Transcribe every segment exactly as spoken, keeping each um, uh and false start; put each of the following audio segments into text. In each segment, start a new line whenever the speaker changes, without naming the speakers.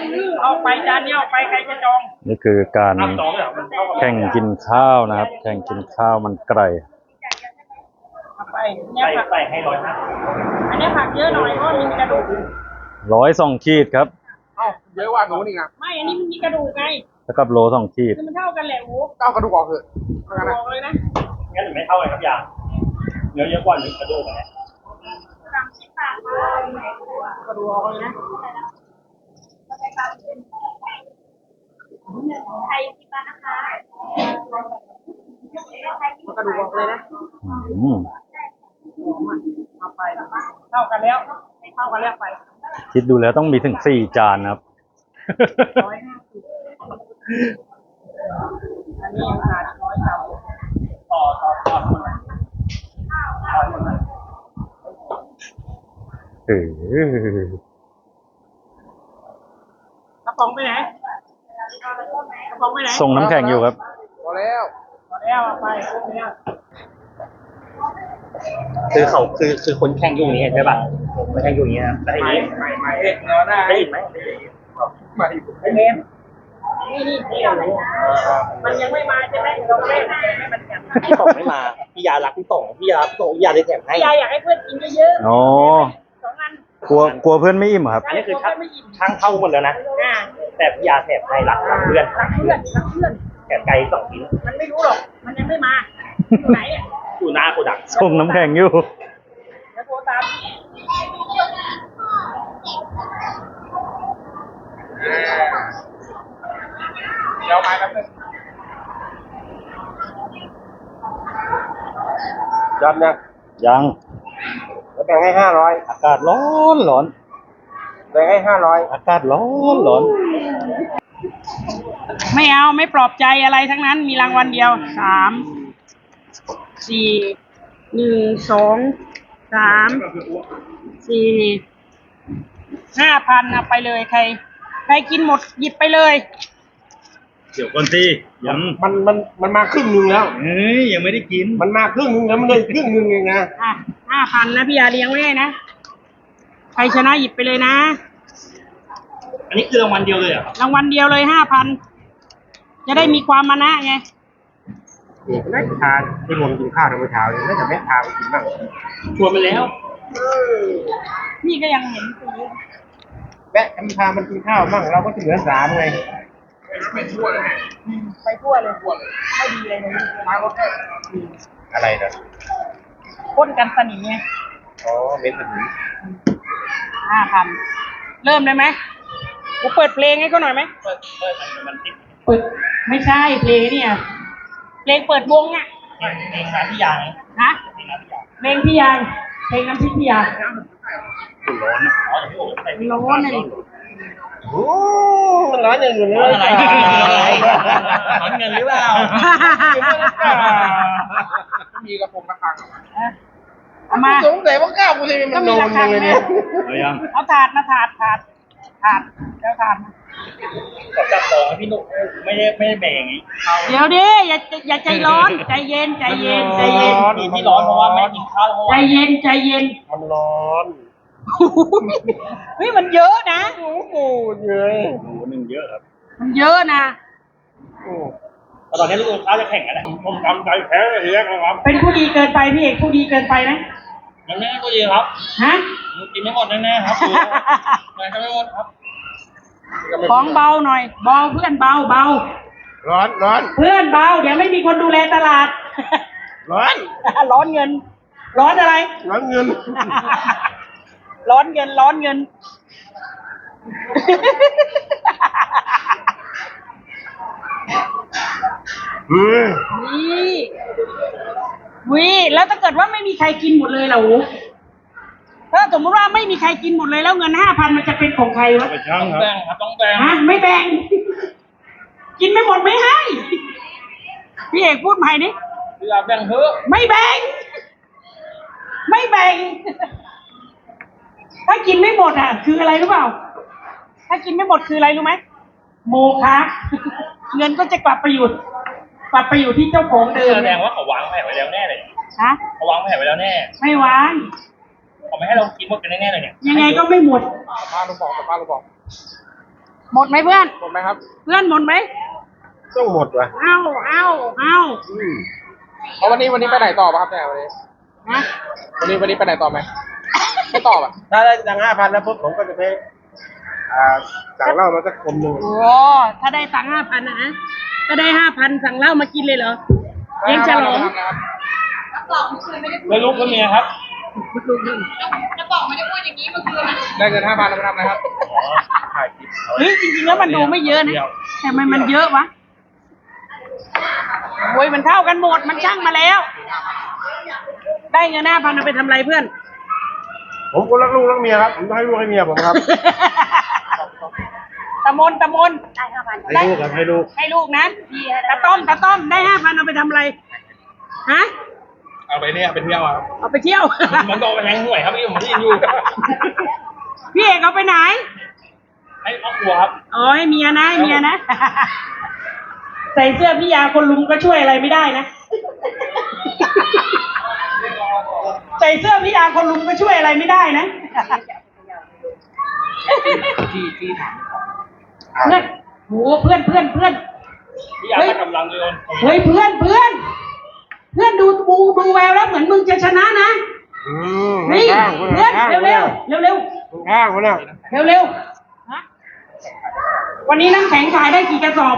เอาไปจานเดียวไปใครจะจอง
นี่คือการแข่งกินข้าวนะครับ แข่งกินข้าวมันไก่
ไปเนี่ยผักใส่ให้ร้อยนะอันนี้ผักเยอะหน่อยเพราะมีกระดูก
ร้อยสองขีดครับ
เอ้าเยอะกว่าหนูนี่นะ
ไม่อันนี้มันมีกระดูกไง
แล้วกับโลสองขีด
คือมันเท่ากันแหละโอ้
เก้ากระดูกออกเถอะ
ออกเลยนะ
งั้นไม่เท่าเลยครับยาเนื้อเยอะกว่าหรือกระดูกเนี่ย
สามสิบบาทกระดูกออกเลยนะไทยสิบบาทนะคะกระดูกออกเลยนะเอาไปเท่ากันแล้วเท่ากันแล้วไป
คิดดูแล้วต้องมีถึงสี่จานนะครับ
ร้อยห้าสิบอันนี้ยังขาดร้อยเก้าต่อต่อต่อคนละ
เออก
ระป๋องไปไหนกระป๋องไปไหน
ส่งน้ำแข็งอยู่ครับ
พอแล้ว
พอแล้วไปเนี่ย
คือเขาคือคือคนแข่งอยู่นี้ใช่ป่ะคนแข่งอยู่นี้นะได้ไหม
ไม่ไม่เอ็กเนาะได้
ได้ไหม
ไม่
ไอเมนนี่นี่นี่มันยังไม่มาใช่ไหมเราเล่นให้มันแข่ง
พี่ต่งไม่มาพี่ยารักพี่ต่งพี่ยาพี่ต่งพี่ยาได้แถมให้
พี่ยาอยากให้เพื่อนกินเยอะ
ๆอ๋อ
สองอัน
กลัวกลัวเพื่อนไม่อิ่มครับ
อันนี้คือช่างช่างเท่าหมดแล้วนะแต่พี่ยาแถมให้รักเพื่อน
รักเพื่อนรักเพื่อน
แถมไก่สองชิ้น
มันไม่รู้หรอกมันยังไม่มาอยู่ไหนอ่ะ
อยู่หน้าโกดัง
ส่งน้ำแข็งอยู่
แล้วโทรตาม
เดี๋ยวมาแป๊บนึงยันยัง
ยัง
แล้วแบ่งให้ห้าร้อย
อากาศร้อนร้อน
แบ่งให้ห้าร้อย
อากาศร้อนร้อน
ไม่เอาไม่ปลอบใจอะไรทั้งนั้นมีรางวัลเดียวสามสี่หนึ่งสองสามสี่ห้าพันเอาไปเลยใครใครกินหมดหยิบไปเลย
เดี๋ยวก่อนสิยัง
มันมันมันมาครึ่งนึงแล้ว
เฮ้ยยังไม่ได้กิน
มันมาครึ่งนึงแล้วมันเลยครึ่งนึงเองนะ
อ่ะห้าพันนะพี่ยาเลี้ยงไว้ให้นะใครชนะหยิบไปเลยนะ
อันนี้คือรางวัลเดียวเลยอ่ะ
รางวัลเดียวเลยห้าพันจะได้มีความมานะไง
เอกนักทานที่รวมกินข้าวทั้งเช้าเลยน่าจะแม่ทานกินบ้าง
ชวนไปแล้ว
นี่ก็ยังเห็นตี
แม่ทำพามันกินข้าวบ้างเราก็จะเหลือสามไงไปทั่วเลย
ไปทั่วเลยไม่ดีเลยนะ
มาก็แค่อะไรนะ
พ่นกันสนิมไง
อ๋อเม็ดสนิม
ห้าพันเริ่มได้ไหมกูเปิดเพลงให้เขาหน่อยไหม
เปิดเปิดมันติด
เปิดไม่ใช่เพลงเนี่ยเพลงเปิดวงอ่ะ
เพลงน้ำพี่ยาง
ฮะเพลงพี่ยางเพลงน้ำพริกพี่ยาง
ร้อนอ๋อแต่พี่โอ๋ใส่
ร้อนเลย
โอ้มันร้อนอย่างอื่นเลย
อะไรร้อนเงินหรือเปล่า
มีกระพงกระพัง
เอามา
สงสัยว่าข้าวกูจะมีมันโดนยังไงเนี่ย
เอาถาดมาถาดถาดถาดแล้วถาด
ขอจับของพี่หนุ่มไม่ได้ไม่ได้แบ่งงี้
เดี๋ยวดิอย่าอย่าใจร้อนใจเย็นใจเย็นใจเย็น
ที่ร้อนเพราะว่าไม่กินข้าว
ใจเย็นใจเย็น
มันร้อน
เฮ้ยมันเยอะนะ
โอ้โหเยอะ
โอ้หนึ่งเยอะครับ
มันเยอะนะ
ตอนนี้ลูกค้าจะแข่งกันแหละผมทำใจแพ้เลยทีแรกครับ
เป็นผู้ดีเกินไปพี่เอกผู้ดีเกินไปนะ
ยังแน่ก็ดีครับ
ฮะ
กินไม่หมดแน่ๆครับไม่ทำไม่หมดครับ
ของเบาหน่อยเบาเพื่อนเบาเบา
ร้อนร้อน
เพื่อนเบาเดี๋ยวไม่มีคนดูแลตลาด
ร้อน
ร้อนเงินร้อนอะไร
ร้อนเงิน
ร้อนเงินร้อนเงินนี่วิแล้วถ้าเกิดว่าไม่มีใครกินหมดเลยเหรอถ้าสมมติว่าไม่มีใครกินหมดเลยแล้วเงินห้าพันมันจะเป็นของใครวะ
ต้องแบ่งครับต้องแบ่ง
ฮะไม่แบ่งกินไม่หมดไม่ให้พี่เอกพูดใหม่ดิ
อย่าแบ่งเถอะ
ไม่แบ่งไม่แบ่งถ้ากินไม่หมดอ่ะคืออะไรรู้เปล่าถ้ากินไม่หมดคืออะไรรู้ไหมโมฆะเงินก็จะกลับไปอยู่กลับไปอยู่ที่เจ้าของเดิม
แสดงว่าเขาวางแผนไว้แล้วแน่เลย
ฮะ
เขาวางแผนไว้แล้วแน่
ไม่วาง
เขาไม่ให้เรากินหมดกันแน่ๆเลยเนี่ย
ยังไงก็ไม่หมด
ป้าลูกบอกป้าลูกบอก
หมดไหมเพื่อน
หมดไหมครับ
เพื่อนหมดไหม
ต้องหมดว่ะ
เอาเอาเอา
เอาวันนี้วันนี้ไปไหนต่อป่ะครับเนี่ยวันนี้
ฮะ
วันนี้วันนี้ไปไหนต่อไหมไม่ต่อป่ะถ้าได้ตังห้าพันแล้วปุ๊บผมก็จะไปอ่าสั่งเหล้ามาสักคมหนึ่ง
โอ้ถ้าได้ตังค์ห้าพันนะฮะก็ได้ห้าพันสั่งเหล้ามากินเลยเหรอเลี้ยงฉลอง
แล้วลูกก็เมียครับ
ได้เงินห้าพันแล้วไปทำอะไรครับถ่ายคลิป
เฮ้ยจริงๆแล้วมันดูไม่เยอะนะแต่มันมันเยอะวะโอ้ยมันเท่ากันหมดมันช่างมาแล้ว ได้เงินห้าพันเอาไปทำอะไรเพื่อน
ผมก็รักลูกรักเมียครับผมต้องให้ลูกให้เมียผมครับ
ตะมนตะมนได้ห้าพัน
ให้ลูกครับให้ลูก
ให้ลูกนะตะต้อมตะต้อมได้ห้าพันเอาไปทำอะไรฮะ
เอาไปเนี่ยไปเที่ยวครับ
เอาไปเที่ยว
มันต้องไปแทงหวยครับพี่ผมที่อยู่
พี่เอกเอาไปไหน
ให้ครอบครัวครับ
อ๋อให้เมียนะให้เมียนะ ใส่เสื้อพี่ยาคนลุมก็ช่วยอะไรไม่ได้นะ ใส่เสื้อพี่ยาคนลุมก็ช่วยอะไรไม่ได้นะ
ที่ที่ถาม
เพื่อนโหเพื่อนเพื่อนเพื่อน
พี่อยากให้กำลังเลย
เฮ้ยเพื่อนเพื่อน เพื่อนดูดูดูแววแล้วเหมือนมึงจะชนะนะ
อืม
นี่เพื่อนเร็วเร็วเร็วเร็ว
ข้างคนน่ะ
เร็วเร็วฮะวันนี้น้ำแข็งขายได้กี่กระสอบ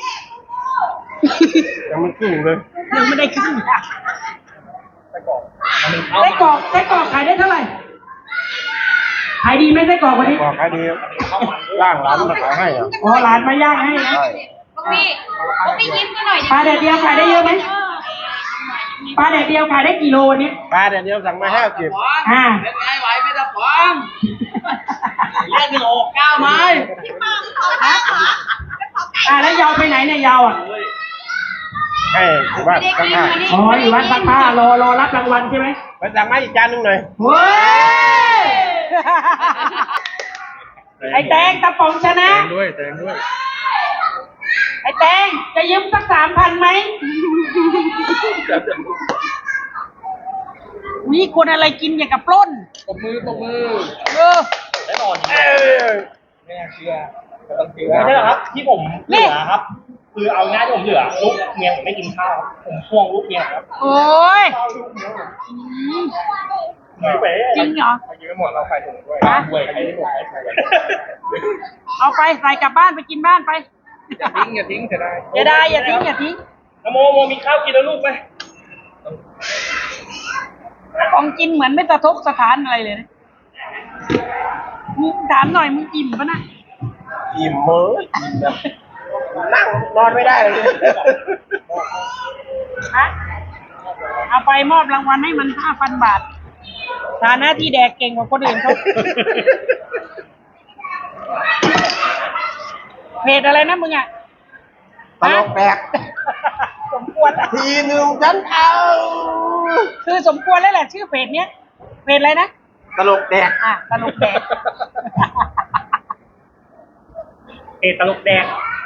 ยังไม่ขึ้นเลย
ยังไม่ได้ครึ่งอะ
ไปก่อน
ไส้กรอกไส้กรอกขายได้เท่าไหร่ขายดีไหมไส้กรอกวันนี้
บอกขายดีร่างร้านมาขายให้อ่ะ
อ๋อร้านมาย่างให้นะ
ใช่
พี่พี่ยิ้มกันหน่อยดิ
ปลาแดดเดียวขายได้เยอะไหมปลาแดดเดียวขายได้กี่โลวันนี้
ปลาเดี๋ยวเดียวสั่งมาห้าสิบ
อ่า
เป็นไงไหวไม่ตะฟองเรียกหนึ่งหกเก้าไม้
อ่าแล้วยาวไปไหนเนี่ยยาวอ่ะ
ให้อยู่บ้านข้างหน้า
อ๋ออยู่วัดซักผ้ารอรอรับรางวัลใช่ไหม
ไปสั่งมาอีกจานหนึงหน่อย
เฮ้ยไอ้แตงตะป๋องชนะ
แตงด้วยแตงด้วย
ไอ้แตงจะยืมสักสามพันไหมนี่คนอะไรกินอย่างกับปล้น
ตบมือตบมือ
เออ
แน่นอน
เออไม่น่าเชื่อก็ต้องเชื่อ
ไม่ใช่หรอกครับ ที่ผมเหลือครับ คือเอาง่ายที่ผมเหลือลูกเมียผมไม่กินข้าวผมพ่วงลูกเมียครับ
โอ้ย
ไม่ไป
จริงเหรอ
ไปกินไม่หมดเราใส่ถุงด้วย
ฮะ
หวยใครไม่หวย
เอาไปใส่กลับบ้านไปกินบ้านไป
อย่าทิ้งอย่าทิ้งเสียดาย
อย่าได้อย่าทิ้งอย่าทิ้ง
โมโมมีข้าวกินแล้วลูกไหม
ของกินเหมือนไม่สะทกสถานอะไรเลยนะมึงถามหน่อยมึงอิ่มปะนะ
อิ่มเมื่ออิ่มแบบนั่งนอนไม่ได้เลย
ฮะเอาไปมอบรางวัลให้มันห้าพันบาทฐานะที่แดกเก่งกว่าคนอื่นเขาเพจอะไรนะมึงอ่ะ
ตลกแปลก
สมควรอะ
ทีหนึ่งฉันเอา
คือสมควรแล้วแหละชื่อเพจเนี้ยเพจอะไรนะ
ตลกแดก
อ่ะตลกแดก
เอตลกแดง